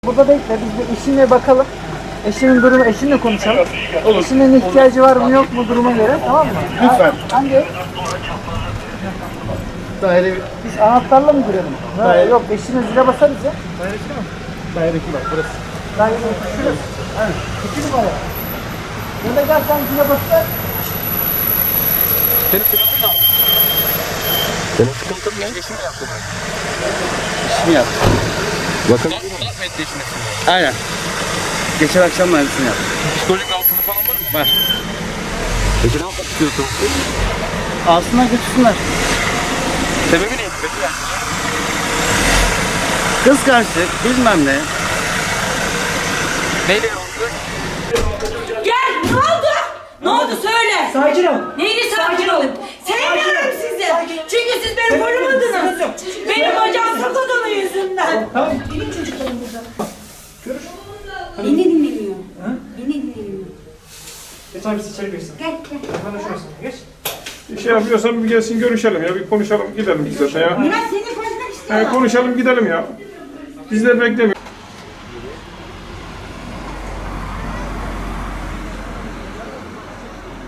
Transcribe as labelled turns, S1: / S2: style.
S1: Burada bekle, biz bir eşinle bakalım. Eşinin durumu, eşinle konuşalım.
S2: Olur.
S1: Eşinin ihtiyacı var mı yok mu duruma göre, tamam mı?
S2: Lütfen.
S1: Hangi ev?
S2: Daire
S1: Biz anahtarla mı girelim? Yok, eşine zile basarız ya.
S2: daire 2 bak burası.
S1: Daire şurası. Evet. 2 numara. Ya da gel sen zile basar.
S2: Senin sıkıntın ne abi? Senin sıkıntın ne? İşimi yaptım ben. İşimi yaptım. Bakın. Aynen. Geçen akşam mühendisini yaptım.
S3: Psikolojik rahatsızlık falan var mı?
S2: Var.
S3: Peki ne yapmak istiyorsun?
S2: Alsınlar götürsünler.
S3: Sebebi neydi peki yani?
S2: Kıskançlık bilmem ne.
S3: Neyle oldu?
S4: Gel, ne oldu? Ne oldu söyle.
S1: Sakin ol.
S4: Neyini sakin olun? Sevmiyorum sizi. Çünkü siz beni korumadınız. Benim hocam sakat onun yüzünden.
S1: Tamam.
S4: Benim çocuklarım burada. Beni dinlemiyor. Beni dinlemiyor.
S1: Geç abi siz içeri girsin.
S4: Gel gel.
S1: Bana şurası. Geç.
S5: Bir şey yapıyorsan bir gelsin görüşelim ya. Bir konuşalım gidelim biz zaten ya.
S4: Murat senin konuşmak istiyorum.
S5: Konuşalım gidelim ya. Bizler beklemiyor.